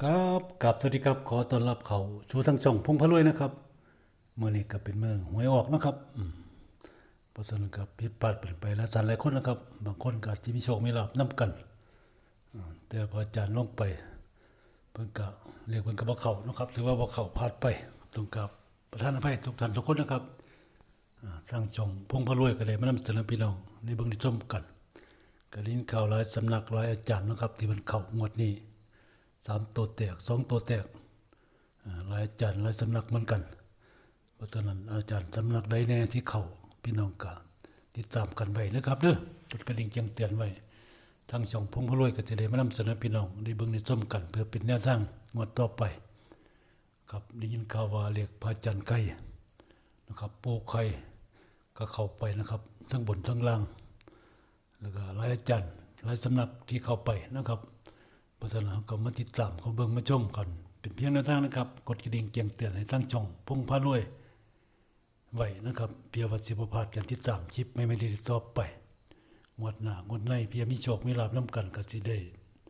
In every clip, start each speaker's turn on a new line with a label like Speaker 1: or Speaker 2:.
Speaker 1: ครับกับสวัสดีครับขอต้อนรับเขาชูทั้งช่องพงพะรวยนะครับเมื่อนี้ก็เป็นเมื่อหวยออกนะครับเพราะฉะนั้นก็ผิดพลาดไปแล้วสันหลายคนนะครับบางคนก็อาจจะมีโชคมีลาภนํกันแต่พออาจารย์ลงไปเพิ่นก็เรียกเพิ่นก็บ่เข้านะครับหรือว่าบ่เข้าพลาดไปต้องกับประธานอภัยทุกท่านทุกคนนะครับสร้างช่องพงพะรวยก็ได้มานำเสนอพี่น้องในเบิ่งได้ชมกันก็ลิ้นข่าวหลายสำนักหลายอาจารย์นะครับที่มันเข้างวดนี้3ตัวแตก2ตัวแตกหลายอาจารย์หลายสำนักเหมือนกันเพราะฉะนั้นอาจารย์สำนักใดแน่ที่เข้าพี่น้องก็ติดตามกันไว้นะครับเด้อกดกระดิ่งแจ้งเตือนไว้ทางช่องพงพะรวยก็จะได้มานำเสนอพี่น้องได้เบิ่งได้ชมกันเพื่อเป็นแนวทางงวดต่อไปครับได้ยินข่าวว่าเรียกพระอาจารย์ไก่นะครับปู่ไข่ก็เข้าไปนะครับทั้งบนทั้งล่างแล้วก็หลายอาจารย์หลายสำนักที่เข้าไปนะครับเพราะฉะนั้นก็มาติดตามเขาเบิ่งมาชมกันเป็นเพียงแนวทางนะครับกดกระดิ่งแจ้งเตือนให้ทางช่องพงพะรวยไว้นะครับเพียงว่าสิบ่พลาดกันติดตามคลิปไม่ได้ต่อไปงวดหน้างวดในเพียงมีโชคมีลาภนํกันก็สิได้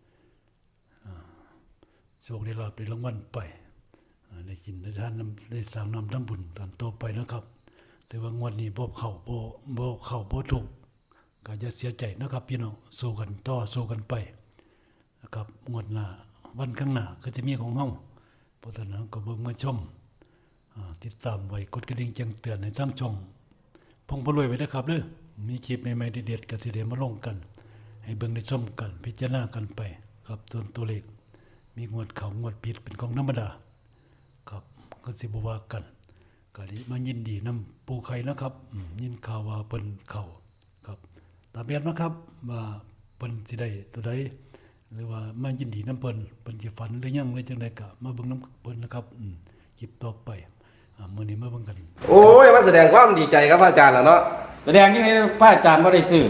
Speaker 1: โชคได้ลาภได้รางวัลไปได้กินได้ทานได้สร้างน้ำทำบุญตอนต่อไปนะครับแต่ว่างวดนี้บ่เข้าบ่ถูกก็อย่าเสียใจนะครับพี่น้องสู้กันต่อสู้กันไปนะครับงวดหน้าวันข้างหน้าก็จะมีของเฮาเพราะฉะนั้นก็เบิ่งมาชมติดตามไว้กดกระดิ่งแจ้งเตือนให้ทางช่องพงพะรวยไว้นะครับเด้อมีคลิปใหม่ๆเด็ดๆก็สิได้มาลงกันให้เบิ่งได้ชมกันพิจารณากันไปครับส่วนตัวเลขมีงวดเข้างวดผิดเป็นของธรรมดาครับก็สิบ่ว่ากันก็ได้มายินดีนำปู่ไข่นะครับยินข่าวว่าเพิ่นเข้าครับตามแบบนะครับว่าเพิ่นสิได้ตัวใดหรือว่ามายินดีน้ำเพิ่นสิฝันหรือยังหรือจังไดก็มาเบิ่งน้ำเพิ่นนะครับคลิปต่อไปมื้อนี้มาเบิ่งกัน
Speaker 2: โอ้ยมาแสดงความดีใจครับอาจารย์แล้วเนาะ
Speaker 3: แสดงยังไงพระอาจารย์บ่ได้ซื้อ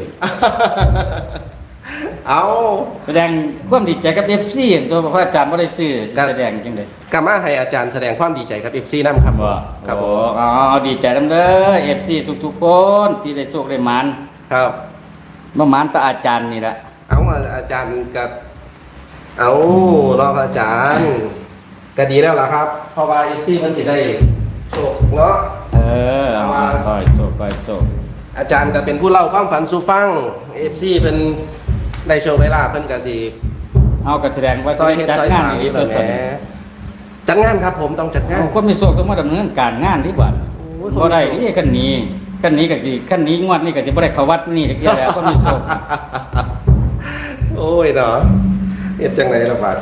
Speaker 2: เอา
Speaker 3: แสดงความดีใจกับ FC ตัวพระอาจารย์บ่ได้ซื้อแสดงจังได๋
Speaker 2: กามาให้อาจารย์แสดงความดีใจกับ FC นำครับ
Speaker 3: ครับอ๋อดีใจนำเด้อ FC ทุกๆคนที่ได้โชคได้หมาน
Speaker 2: ครับ
Speaker 3: บ่หมานแต่อาจารย์นี่ล่ะ
Speaker 2: เอาอาจารย์ก็เอารออาจารย์ก็ดีแล้วล่ะครับเพราะว่า FC มันสิได้โชคเนาะ
Speaker 3: เอาค่อยโชค
Speaker 2: อาจารย์ก็เป็นผู้เล่าความฝันสู่ฟัง FC เพิ่นได้โชคได้ลาภเพิ่นก็สิ
Speaker 3: เอาก็แสดงว่า
Speaker 2: ซอยเฮ็ดซอยสร้างนี่ตัวแหละจัดงานครับผมต้องจัดงาน
Speaker 3: คนมีโชคต้องมาดำเนินการงานที่บัดบ่ได้นี่คันนี้ก็สิคันนี้งวดนี้ก็สิบ่ได้เข้าวัดนี่จักแล้วคนมีโชค
Speaker 2: โอ้ยเนาะเฮ็ดจังได๋ล่ะบาด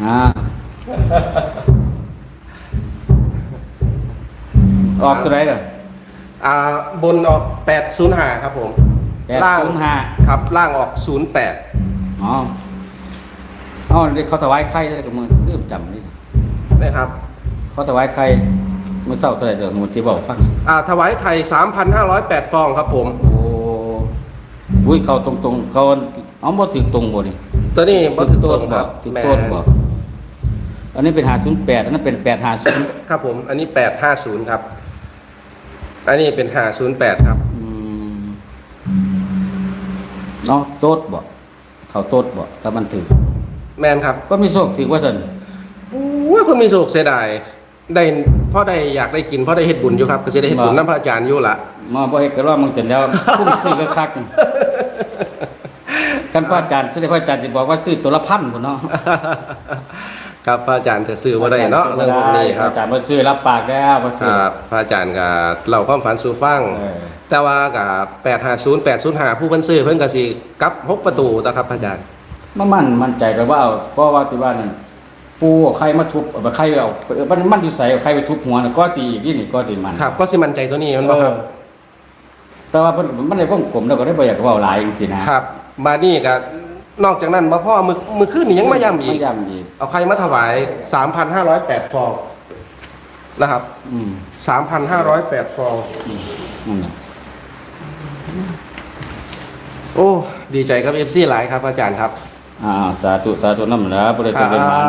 Speaker 3: ออกตัวไหนล่ะ
Speaker 2: บนออก805ครับผม
Speaker 3: ล่าง
Speaker 2: 5ครับล่างออก08
Speaker 3: อ๋อเขาถวายไข่ได้กับมือลืมจำนี่
Speaker 2: นะครับ
Speaker 3: เขาถวายไข่มื้อเช้าเท่าไหร่เด้อมื้อที่บอกฟัง
Speaker 2: ถวายไข่ 3,508 ฟองครับผม
Speaker 3: โอ้อุ้ยเขาตรงๆเขาเอาบ่ถึงตรงบ่นี่
Speaker 2: ตัวนี้บ่ถึงตรงครับ
Speaker 3: ถึงต้นบ่อันนี้เป็น508อันนั้นเป็น850
Speaker 2: ครับผมอันนี้850ครับอันนี้เป็น508ครับ
Speaker 3: เนาะโต๊ดบ่เขาโต๊ดบ่ถ้ามันถึง
Speaker 2: แม่นครับ
Speaker 3: ก็มีโชคถือว่าซั่น
Speaker 2: โอ้ยเพิ่นมีโชคเสียดายได้พอได้อยากได้กินพอได้เฮ็ดบุญอยู่ครับก็สิได้เฮ็ดบุญนำพระอาจารย์อยู่ล่ะ
Speaker 3: มาบ่เฮ็ดก็รอมึงจนแล้วคุ้มซื้อคักกันพระอาจารย์สิได้พระอาจารย์สิบอกว่าซื้อตัวละ1,000พุ่นเนาะ
Speaker 2: ครับพระอาจารย์จะซื้อบ่ได้เนาะเรื่องพวกนี้ครับ
Speaker 3: อาจารย์บ่ซื้อรับปากแล้วบ่ซื้อ
Speaker 2: ครับพระอาจารย์ก็เล่าความฝันสู่ฟังแต่ว่าก็850 805ผู้เพิ่นซื้อเพิ่นก็สิกลับ6ประตูนะครับพระอาจารย์
Speaker 3: มั่นใจก็ว่าเพราะว่าที่ว่านั่นปูใครมาทุบใครเอามันอยู่ใส่ใครไปทุบหัวน่ะก็สิอีกนี่ก็สิมัน
Speaker 2: ครับก็สิมั่นใจตัวนี้มันบ่ครับ
Speaker 3: แต่ว่ามันได้วงกลมแล้วก็ได้บ่อยากเว้าหลายจังซี่นะครับ
Speaker 2: บัดนี้ก็นอกจากนั้นบ่พอมื้อคืนนี่ยังมาย้ำอีกเอาใครมาถวาย 3,508 ฟองนะครับ3,508 ฟองโอ้ดีใจครับ FC หลายครับอาจารย์ครับ
Speaker 3: สาธุนำนะบ่ได้เป็นมา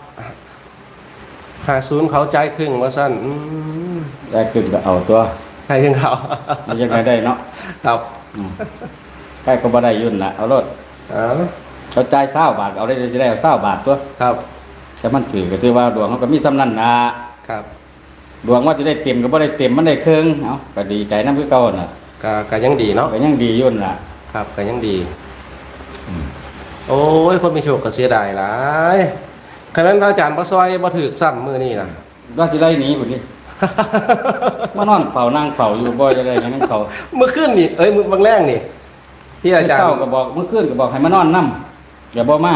Speaker 2: 50เขาใจครึ่งว่าซั่น
Speaker 3: ได้ครึ่งก็เอาตัว
Speaker 2: ใช่ครึ่งเขา
Speaker 3: มันยังไงได้เนาะ
Speaker 2: ครับ
Speaker 3: ใครก็บ่ได้ยุ่นน่ะเอารถเขาจ่าย20 บาทเอาได้จะได้20 บาทตัว
Speaker 2: ครับ
Speaker 3: แต่มันถือก็ถือว่าดวงเขาก็มีสำนันนะครับ ดวงว่าจะได้เต็มก็บ่ได้เต็มมันได้ครึ่งเอ้าก็ดีใจนำคือเก่าน่ะ
Speaker 2: ก็ยังดีเนาะ
Speaker 3: ก็ยังดีอยู่นั่นล่ะ
Speaker 2: ครับก็ยังดีโอ้ยคนมีโชคก็เสียดายหลายขณะนั้นพระอาจารย์บ่ซอยบ่ถูกซ้ำมื้อนี้น่ะ
Speaker 3: ว่าสิไล่หนีพุ่นนี่ มานอนเฝ้านั่งเฝ้าอยู่บ่จะได้หยังเขา
Speaker 2: เมื่อคืนนี่มื้อบางแรงนี่ที่อาจารย์
Speaker 3: เช้าก็บอกเมื่อคืนก็บอกให้มานอนนํอย่าบ่มา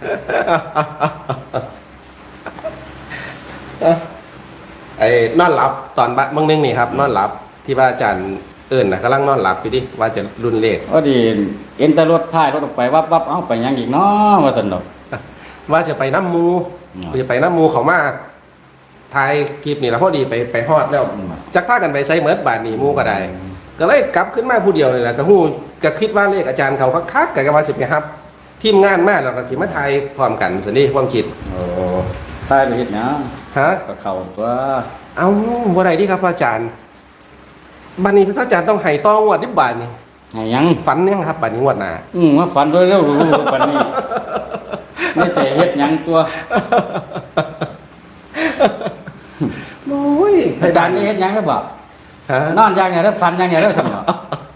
Speaker 2: ไอ้นอนหลับตอนบางนึงนี่ครับนอนหลับที่พระอาจารย์เอิ้นน่ะกำลังนอนหลับอยู่ดิว่าจะรุ่นเลข
Speaker 3: พอดีเอ็นแต่รถท้ายรถออกไปวับเอ้าไปหยังอีกเนาะว่าซั่นดอก
Speaker 2: ว่าจะไปน้ำหมู
Speaker 3: อืม
Speaker 2: จะไปน้ำหมูเขามาถ่ายคลิปนี่แล้วพอดีไปฮอดแล้วจักพากันไปใส่เหมือนบาทนี่หมูก็ได้ ก็เลยกลับขึ้นมาผู้เดียวนี่แหละก็ฮู้ก็คิดว่าเลขอาจารย์เขาคักๆก็ว่าสิไปครับทีมงานมาแล้วก็สิมาถ่ายพร้อมกันสินี่ความคิด
Speaker 3: โอ้ท้ายไปเฮ็ดหยัง
Speaker 2: ฮะ
Speaker 3: ก็เข้าตัว
Speaker 2: เอ้าบ่ได้ดิครับพระอาจารย์บัดนี้พระอาจารย์ต้องให้ต้องงวดที่บาทนี่
Speaker 3: ให้หยัง
Speaker 2: ฝันยังครับบัดนี้งวดหน้า
Speaker 3: มาฝันด้วยเร็วรู้ปานนี้ไม่ใช่เฮ็ดหยังตัว
Speaker 2: โอ้ย
Speaker 3: อาจารย์นี่เฮ็ดหยังได้บ่
Speaker 2: ฮะ
Speaker 3: นอนอย่างเดียวแล้วฝันอย่างเดียวแล้วซั่นบ่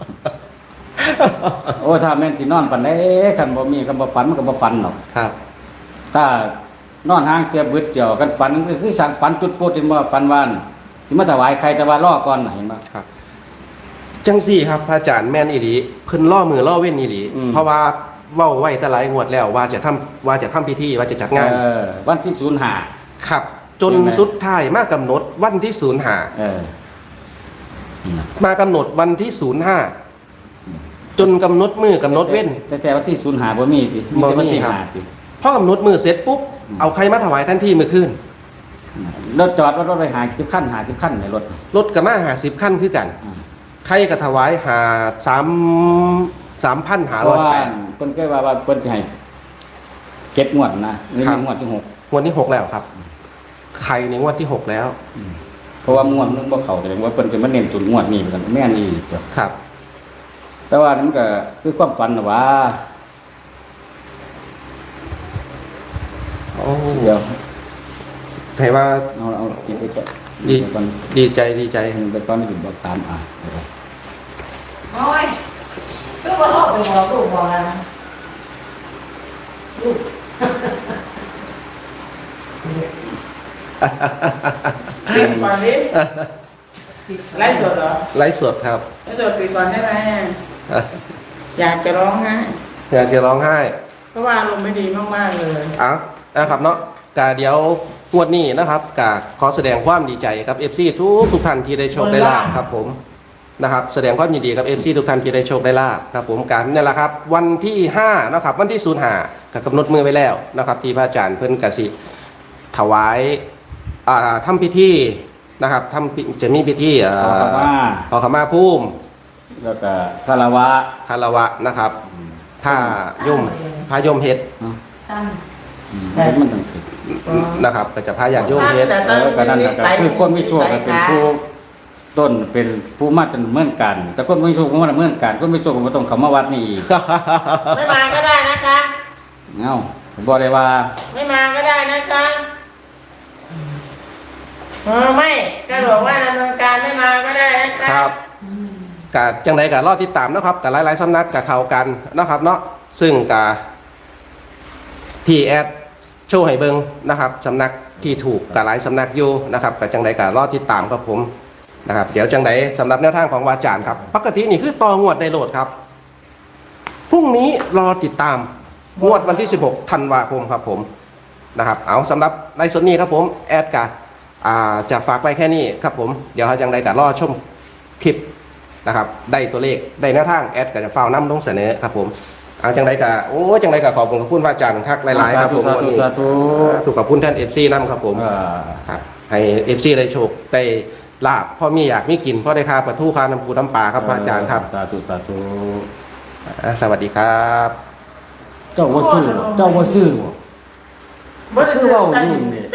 Speaker 3: โอ้ถ้าแม่นสินอนปานใดคันบ่มีคันบ่ฝันมันก็บ่ฝันหรอก
Speaker 2: ครับ
Speaker 3: ถ้านอนห่างเตียบึดเดียวกันฝันก็คือสั่งฝันจุดโพดที่ว่าฝันวานสิมาถวายใครแต่ว่ารอก่อนน่ะเห็นบ่
Speaker 2: ครับจังสี่ครับพระอาจารย์แม่นอีหลีเพิ่นล่อมือล่อเว้นอีหลี
Speaker 3: อืม
Speaker 2: เพราะว่าเว้าไว้แต่หลายงวดแล้วว่าจะทำพิธีว่าจะจัดงาน
Speaker 3: วันที่05
Speaker 2: ครับ จน
Speaker 3: ใช่ไหม
Speaker 2: สุดท้ายมากำหนดวันที่05
Speaker 3: เออ
Speaker 2: มากำหนดวันที่05จนกำหนดมือกำหนดเว้น
Speaker 3: แต่วันที่05บ่มีติมีแต่วันที่
Speaker 2: บ่มีครับ
Speaker 3: 5ติ
Speaker 2: พอกำหนดมือเสร็จปุ๊บเอาใครมาถวายทันทีมื้อคืน
Speaker 3: รถจอดรถไป50คัน50คันในรถ
Speaker 2: รถก็มา50คันคือกัน
Speaker 3: อืม
Speaker 2: ใครก็ถวายหา
Speaker 3: เพราะว่า
Speaker 2: 3,508
Speaker 3: เพิ่นเคยว่าเพิ่นสิให้7งวดนะนี่
Speaker 2: ครับ
Speaker 3: งวดที่6
Speaker 2: งวดที่6แล้วครับใครในงวดที่6แล้ว
Speaker 3: เพราะว่างวดนึงบ่เข้าแสดงว่าเพิ่นจะมาเน้นตุนงวดนี้เหมือนกันแม่นอีกตัว
Speaker 2: ครับ
Speaker 3: แต่ว่านี่มันก็คือความฝันน่ะว่า
Speaker 2: โอ้
Speaker 3: เดี๋ยว
Speaker 2: ให้ว่า
Speaker 3: เอากินไปก่อน
Speaker 2: ดี
Speaker 3: ไปก่อน
Speaker 2: ดีใจ
Speaker 3: ไปก่อนนี่ถึงบอกตามเดี๋ยว
Speaker 4: โอ้ยก็มาหอบไปบอกลูกบอกอะไรนะลูก
Speaker 5: ปิดก่อนดิไลฟ์สดเหรอ
Speaker 2: ไลฟ์สดครับ
Speaker 5: ไลฟ์สดปิดก่อนได้ไหมอยากจะร้องไห้
Speaker 2: อยากจะร้องไห้
Speaker 5: เพราะว่าอารมณ์ไม่ดีมากๆเลย
Speaker 2: อ่ะนะครับเนาะกะเดี๋ยวงวดนี้นะครับกะขอแสดงความดีใจกับ FC ทุกท่านที่ได้โชคได้ลาภครับผมนะครับแสดงความยินดีกับ FC ทุกท่านที่ได้โชคได้ลาภครับผมกันนี่แหละครับวันที่5นะครับวันที่05ก็กำหนดมือไว้แล้วนะครับที่พระอาจารย์เพิ่นกสิถวายทำพิธีนะครับจะมีพิธี ขอขมาภูมิ
Speaker 3: แล้วก็คารวะ
Speaker 2: คารวะนะครับผ้ายมเฮ็ด
Speaker 4: สั้น
Speaker 3: มันต้องผิด
Speaker 2: นะครับก็จะพาญาติโยมเฮ็ด
Speaker 3: ก็นั่นแหละครับคือคนมีโชคก็เป็นผู้ต้นเป็นผู้มาจนเหมือนกัน แต่คนมีโชคก็มาเหมือนกันคนมีโชคก็บ่ต้องเข้ามาวัดนี่อีก
Speaker 5: ไม่มาก็ได้นะคะ
Speaker 3: เอ้าบ่ได้ว่า
Speaker 5: ไม่มาก็ได้นะคะไม่ก็บอกว่าดำเนินการไม่มาก็ได้นะคะ
Speaker 2: ครับกะจังไดกะรอติดตามนะครับกะหลายๆสำนักกะเข้ากันนะครับเนาะซึ่งกะที่แอดโชว์ให้เบิ่งนะครับสำนักที่ถูกกะหลายสำนักอยู่นะครับกะจังไดกะรอติดตามครับผมนะครับเดี๋ยวจังไดสำหรับแนวทางของวาจารย์ครับปกตินี่คือต่องวดในโหลดครับพรุ่งนี้รอติดตามงวดวันที่16ธันวาคมครับผมนะครับเอาสำหรับในส่วนนี้ครับผมแอดกะจะฝากไว้แค่นี้ครับผมเดี๋ยวจังไดกะรอชมคลิปนะครับได้ตัวเลขได้แนวทางแอดก็จะฟ้าวนำลงเสนอครับผมเอาจังไดกะโอ้จังไดกะขอบคุณพระคุณพระอาจารย์ทักหลายๆครับผม
Speaker 3: สาธุ
Speaker 2: วันนี้
Speaker 3: สาธุ
Speaker 2: ถูกกับคุณท่าน FC นำครับผมครับให้ FC ได้โชคได้ลาบพ่อมีอยากมีกินพ่อได้ค่าปลาทูค่าน้ำปูน้ำปลาครับพระอาจารย์ครับ
Speaker 3: สาธุสาธุ
Speaker 2: สวัสดีครับ
Speaker 3: เจ้าบ่ซื้อบ่
Speaker 5: บ่ได้
Speaker 3: คือ
Speaker 5: ซื้อ
Speaker 3: เว้า
Speaker 5: ตั้ง
Speaker 3: อยู่นี่